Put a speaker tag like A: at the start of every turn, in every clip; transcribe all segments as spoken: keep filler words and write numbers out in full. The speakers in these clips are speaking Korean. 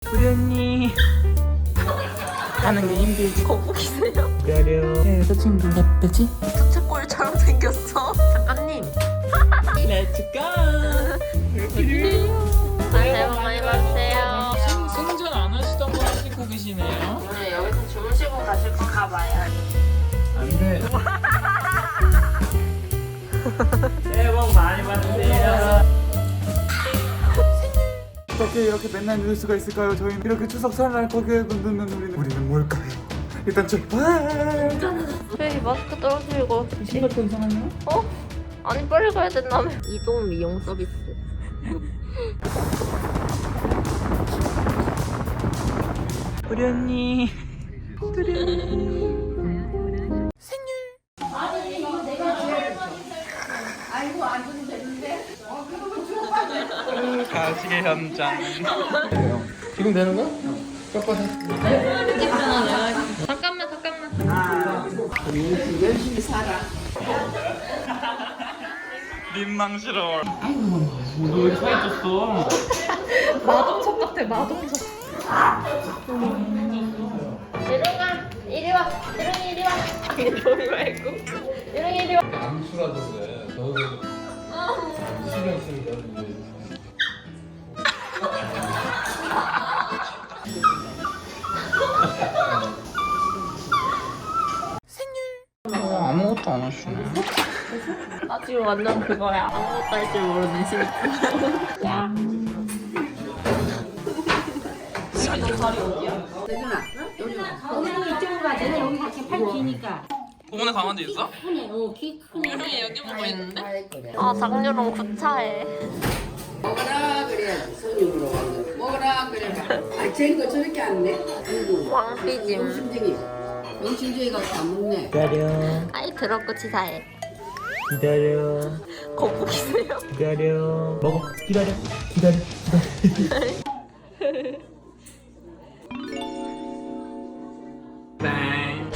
A: 우리 언니 하는 게 힘들지.
B: 거북이세요?
A: 기다려. 네, 저 친구 예쁘지?
B: 부채꼴처럼 생겼어. 작가님.
A: Let's go.
B: 새해 복 많이 받으세요.
A: 생, 생전 안 하시던 거 하시고 계시네요.
B: 오늘 여기서 주무시고 가실 거 가봐요.
A: 안 돼. 새해 복 많이 받으세요. 어떻게 이렇게 맨날 누울 수가 있을까요? 저희는 이렇게 추석 설날 거기에 눈는 우리는 우리는 뭘까요? 일단 출발.
B: 왜 마스크 떨어뜨리고?
A: 신발도 이상하냐?
B: 어? 아니 빨리 가야 된다며. 이동 미용 서비스.
A: 우리 언니. 우리 언니. 가시게 현장. 지금 되는 거야? 꺾어서.
B: 잠깐만 잠깐만.
C: 열심히 살아.
A: 민망스러워. 아이고, 너 왜 사이졌어?
B: 마동석 같아 마동석. 이리와 이리 와. 이리 이리 와. 이리 말고. 이리 이리 와.
D: 암수라서 그래. 너도 신경 쓰니까 이제.
A: 어, 아무것도 안 하시네.
B: 나 지금 완전 그거야. 아무것도 할 줄 모르는 심지. 야.
C: 대준아, 여기 여기 이쪽으로 가. 내가 여기 이렇게 팔 기니까.
A: 오늘 강아지 있어?
C: 크네, 어, 키 크네.
B: 형이 여기 보고 있는데? 아 장유롱 구차해.
C: 먹어라 그래야지. 손님으로 가는 거. 먹어라 그래가. 아, 쟤거 저렇게 안 내. 아이고.
B: 왕삐짐.
C: 영심쟁이. 영심쟁이 가서 안 먹네.
A: 기다려.
B: 아이 더럽고 치사해.
A: 기다려.
B: 거북이세요?
A: 기다려. 먹어. 기다려. 기다려. 기다려. 땡.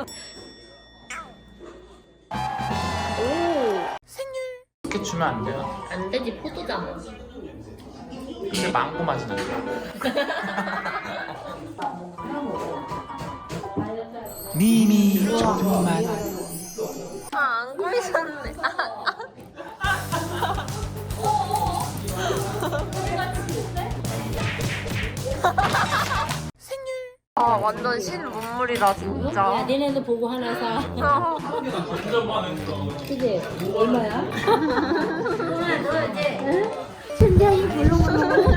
B: 오.
A: 이렇게 주면 안 돼요.
B: 안 되지 포도잖아.
A: 근데 망고 맛이 나요. 미미 조금만.
B: 아안 보이셨네. 아 완전 신문물이다
C: 야,
B: 진짜.
C: 니네도 보고 하나 사.
B: 아,
C: 그지? 얼마야? 신기하게 불러보는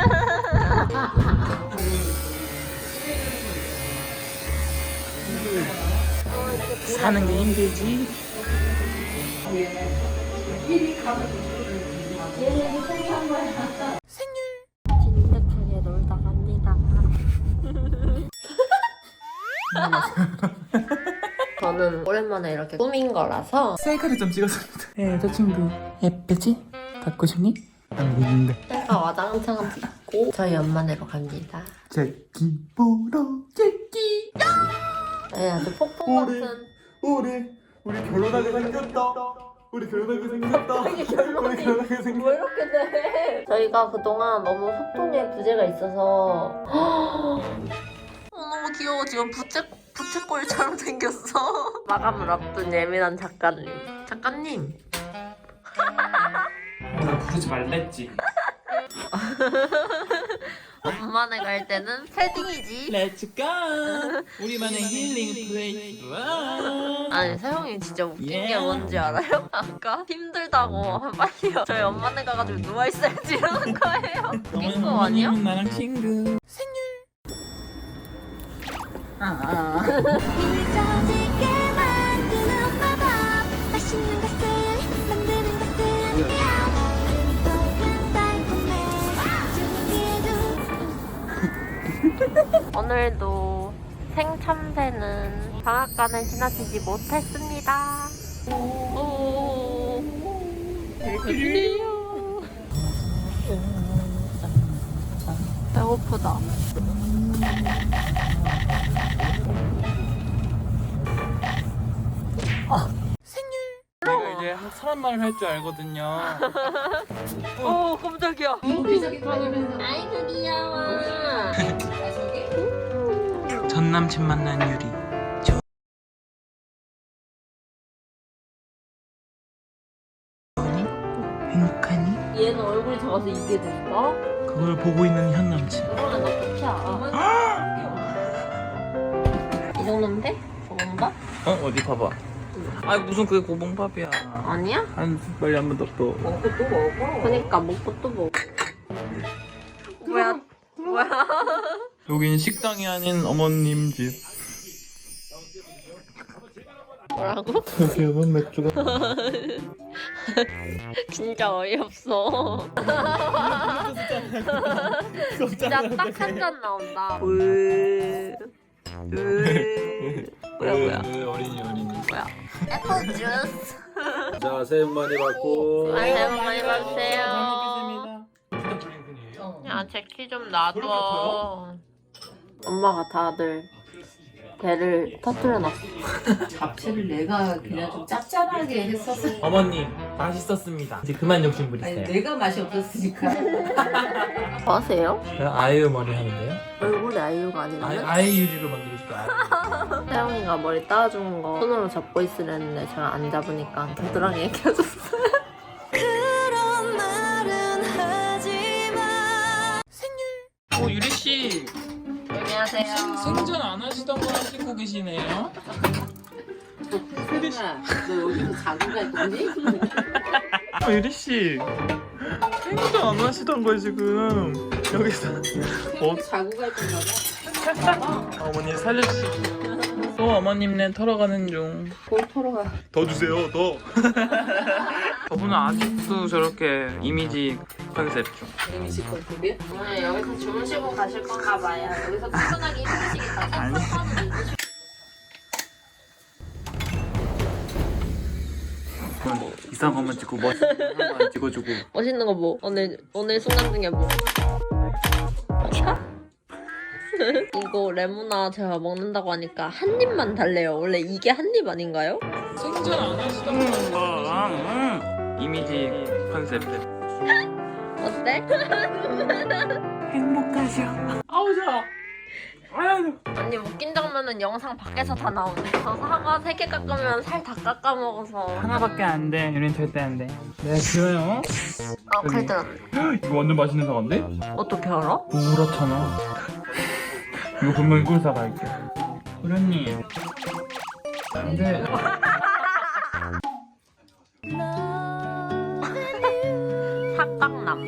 A: 사는 게 힘들지.
B: 진득하게 놀다 갑니다. 저는 오랜만에 이렇게 꾸민 거라서
A: 셀카를 좀 찍었습니다. 네, 저 친구 예쁘지? 갖고 싶니? 안 보이는데.
B: 셀카 와장창 찍고 저희 엄마네로 갑니다.
A: 제끼 보러 제끼.
B: 네, 아주 폭풍 같은.
A: 우리 우리 결혼하게 생겼다. 우리 결혼하게 생겼다. 우리 결혼하게
B: 왜
A: 생겼다.
B: 이렇게 돼? 저희가 그동안 너무 소통에 부재가 있어서 어, 너무 귀여워. 지금 부채, 부채꼴처럼 생겼어. 마감을 앞둔 예민한 작가님. 작가님.
A: 나 부르지 말랬지.
B: 엄마네 갈 때는 패딩이지.
A: Let's go. 우리만의 힐링 플레이스.
B: 아니 세영이 진짜 웃긴
A: Yeah.
B: 게 뭔지 알아요? 아까 힘들다고 빨리요 저희 엄마네 가가지고 누워있어야지 이러는 거예요. 웃긴 거 아니야?
A: 나랑 친구. 생일. 아.
B: 오늘도 생참새는 방앗간을 지나치지 못했습니다. 오, 배고프네요. 배고프다.
A: 내가 이제 사람 말을 할 줄 알거든요.
B: 오 깜짝이야.
C: 기저귀 다니면서
B: 아이고 귀여워.
E: 남친 만난 유리. 저... 행복하니?
B: 얘는 얼굴이 작아서 이게 됐어?
E: 그걸 보고 있는 현 남친.
B: 그러면 나 좋지 않아? 이 정도면 돼? 고봉밥?
E: 어 어디 봐봐. 아 무슨 그게 고봉밥이야.
B: 아니야?
E: 한 빨리 한 번 더 또.
C: 먹고 또 먹어.
B: 그니까 먹고 또 먹어. 뭐야? 뭐야?
E: 여긴 식당이 아닌 어머님 집.
B: 뭐라고?
E: 여기는 맥주가.
B: 진짜 어이없어. 진짜 딱 한 잔 나온다. 으, 으. 뭐야 뭐야?
E: 어린이 어린이.
B: 뭐야? 애플 주스.
D: 자, 새해 복 많이 받고.
B: 새해 복 많이 받으세요.
E: 먹겠습니다.
B: 야, 제 키 좀 놔둬. 엄마가 다들 배를 터뜨려놨어.
C: 잡채를 내가 그냥 좀 짭짤하게 했었어.
E: 어머님 맛있었습니다. 이제 그만 욕심
C: 아니
E: 부리세요.
C: 내가 맛이 없었으니까.
B: 뭐 하세요?
E: 제가 아이유 머리 하는데요.
B: 얼굴에 아이유가 아니라
E: 아이 아이 유리로 만들고 싶어요.
B: 태영이가 머리 따주는 거 손으로 잡고 있으랬는데 제가 안 잡으니까 겨드랑이에 껴줬어요.
E: 오 유리 씨
B: 안녕하세요.
E: 생전 안 하시던 거 하시고 계시네요.
C: 소리야, 너 여기서 자고 갈 거니?
E: 어, 유리 씨 생전 안 하시던 거 지금 여기서 어,
C: 자고 갈 건가 봐.
E: 어머니 살려주시고. 또 어머님네 털어가는 중.
C: 뭘 털어가.
E: 더 주세요 더. 저분은 아직도 저렇게 이미지 컨셉 중.
C: 이미지 컨셉이야?
B: 오늘 여기서 주무시고 가실 건가 봐요. 여기서 출근하기 힘드시겠다.
E: 아니. 뭐 이상한 것만 찍고 멋있는 것만 찍어주고.
B: 멋있는 거 뭐? 오늘 오늘 순간 중에 뭐? 이거 레모나 제가 먹는다고 하니까 한 입만 달래요. 원래 이게 한 입 아닌가요?
E: 생전 안 하시던 거. 이미지 컨셉.
B: 어때?
E: 행복하셔. 아우 좋아. 아유.
B: 아니 웃긴 장면은 영상 밖에서 다 나오네. 저 사과 세 개 깎으면 살 다 깎아 먹어서.
E: 하나밖에 안 돼. 유린 절대 안 돼. 네 그래요.
B: 아 칼 들었네.
E: 이거 완전 맛있는 사과인데?
B: 어떻게 알아?
E: 노랗잖아. 이거 분명히 꿀 사과일게. 도련님. 안 돼.
B: 삭강남.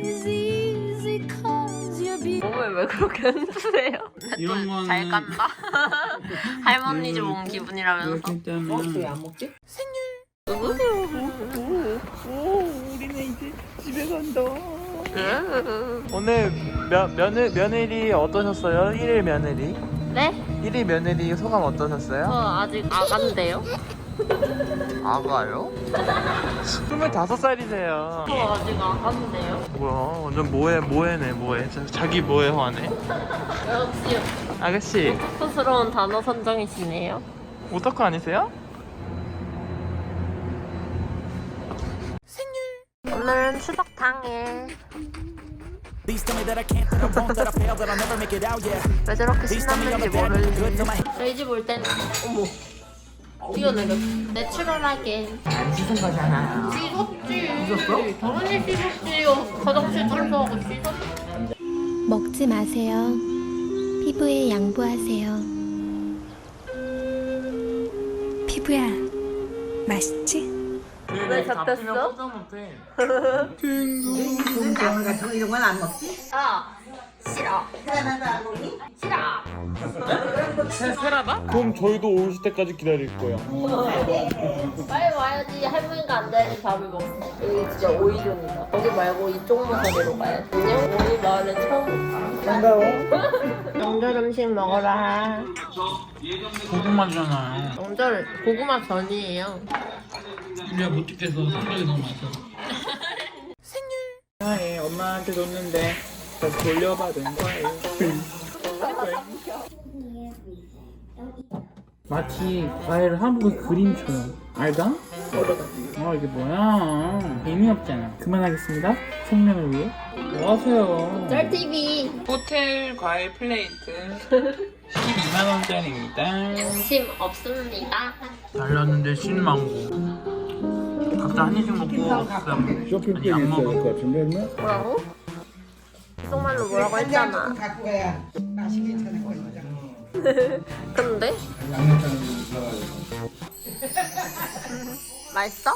B: 몸을 왜 그렇게 흔드세요?
E: 이런 거는
B: 잘 깐다. 할머니 집 온 기분이라면서.
E: 그렇기 때문에.
C: 어? 왜 안 먹지?
E: 우리는 이제 집에 간다. 오늘 며, 며느, 며느리 어떠셨어요? 일일 며느리?
B: 네?
E: 일일 며느리 소감
B: 저
E: 어떠셨어요?
B: 아직 아간데요?
E: 아가요? 스물다섯 살이세요.
B: 저 아직 아간데요?
E: 뭐야 완전 뭐해 뭐해네 뭐해 자, 자기 뭐해 화네.
B: 역시
E: 아가씨
B: 스스러운 단어 선정이시네요.
E: 오타쿠 아니세요?
B: 오늘은 추석 당일. 왜 저렇게 신났는지 모르겠는데 저희 집 올 땐 어머 뛰어내려 내추럴하게
C: 안 씻은 거잖아.
B: 씻었지. 씻었어? 당연히 씻었지. 화장실 청소하고 씻었지.
F: 먹지 마세요. 피부에 양보하세요. 피부야, 맛있지?
B: 왜 잡혔어?
C: 오늘 같은 거 이런 건 안 먹지?
B: 아 싫어. 싫어.
A: 그럼 저희도 오실 때까지 기다릴 거예요.
B: 빨리 와야지. 할머니가 안 돼야지 밥을 먹어. 여기 진짜 오이존이다. 거기 말고 이쪽 모서리로 가야지. 안녕. 오이 마을에 처음.
A: 반가워.
B: 명절 음식 먹어라.
E: 고구마잖아요.
B: 명절 고구마 전이에요.
E: 우리가 못 찍겠어. 생각이 너무 많아서. 생일. 엄마한테 줬는데 다시 돌려받은 거예요. 마치 과일을 한 부분 그림처럼. 알다? 아 이게 뭐야? 의미없잖아. 그만하겠습니다. 생명을 위해. 뭐 하세요?
B: 쩔티비.
E: 호텔 과일 플레이트 십이만 원짜리입니다.
B: 심 없습니다.
E: 달랐는데 신망고. 각자 한 입씩 먹고 그다음 아니 안 먹어.
B: 뭐라고? 속말로 뭐라고 했잖아.
C: 갖고 가야 맛이 괜찮을 거야.
B: 근데? 맛있어?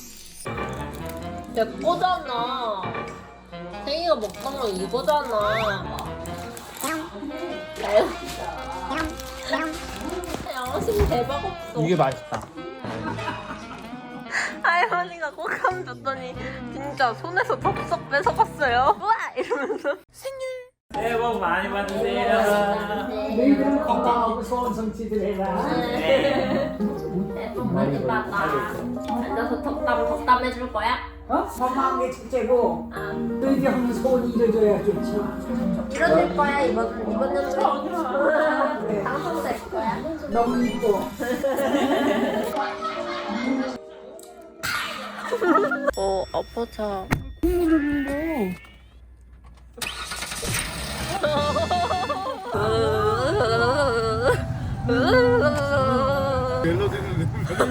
B: 내 거잖아. 생이가 먹던 거 이거잖아. 양심 대박 없어.
E: 이게 맛있다.
B: 할머니가 꽃감 줬더니 진짜 손에서 덥석 뺏어갔어요. 우와! 이러면서
E: 새해 복 많이 받으세요.
C: 너희들은 건강하고 소원 성취들 해라.
B: 네. 복 많이 받아. 앉아서 덕담 덕담 해줄 거야?
C: 어? 건강한 게 첫째고
B: 아,
C: 너희들이 하는 소원이 이루어져야 좋지.
B: 이뤄질 거야 이번 이번 연도에 당선될 거야.
C: 너무 이뻐.
B: 어 아파차.
A: 멜로디는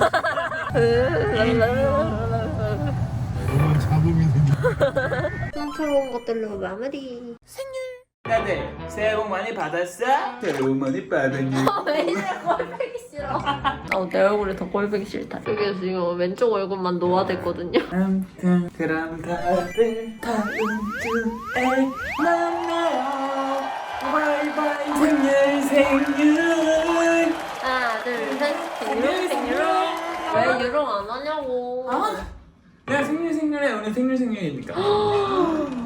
B: 촌스러운 것들로 마무리.
E: 다들 새해 복 많이 받았어?
A: 새해 복 많이 받았니?
B: 왜 이래 꼴보기 싫어. 아, 내 얼굴이 더 꼴보기 싫다. 이게 지금 왼쪽 얼굴만 노화됐거든요.
E: 아무튼 그럼 다들 다음 주에 만나요. 바이바이 생일 생일.
B: 하나 둘셋 생유롱 생유롱. 왜 유롱 안 하냐고.
E: 야 생일 생일에 오늘 생일 생일이니까.